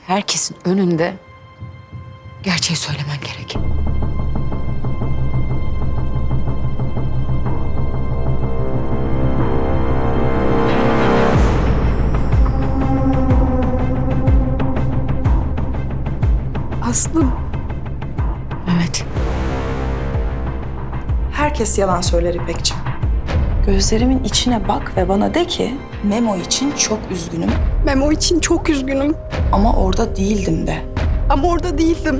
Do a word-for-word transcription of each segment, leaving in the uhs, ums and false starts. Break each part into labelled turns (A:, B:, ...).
A: herkesin önünde gerçeği söylemen gerek.
B: Aslım.
A: Evet.
C: Herkes yalan söyler İpekciğim. Gözlerimin içine bak ve bana de ki Memo için çok üzgünüm
B: Memo için çok üzgünüm.
C: ama orada değildim de.
B: Ama orada değildim.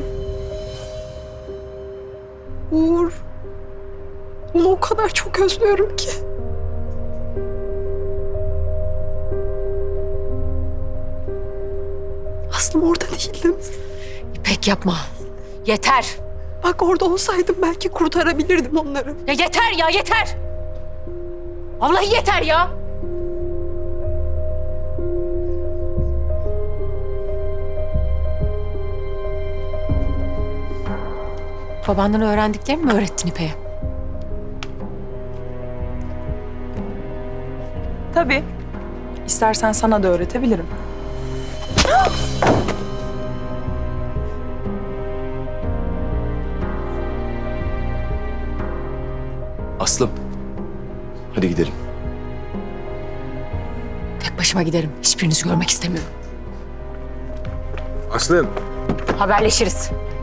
B: Uğur. Onu o kadar çok özlüyorum ki. Aslım orada değildim.
A: İpek yapma. Yeter.
B: Bak orada olsaydım belki kurtarabilirdim onları.
A: Ya yeter ya yeter. Vallahi yeter ya. Babandan öğrendiklerimi mi öğrettin İpek'e?
C: Tabii. İstersen sana da öğretebilirim.
D: Aslım. Hadi gidelim.
A: Tek başıma giderim. Hiçbirinizi görmek istemiyorum.
D: Aslım.
A: Haberleşiriz.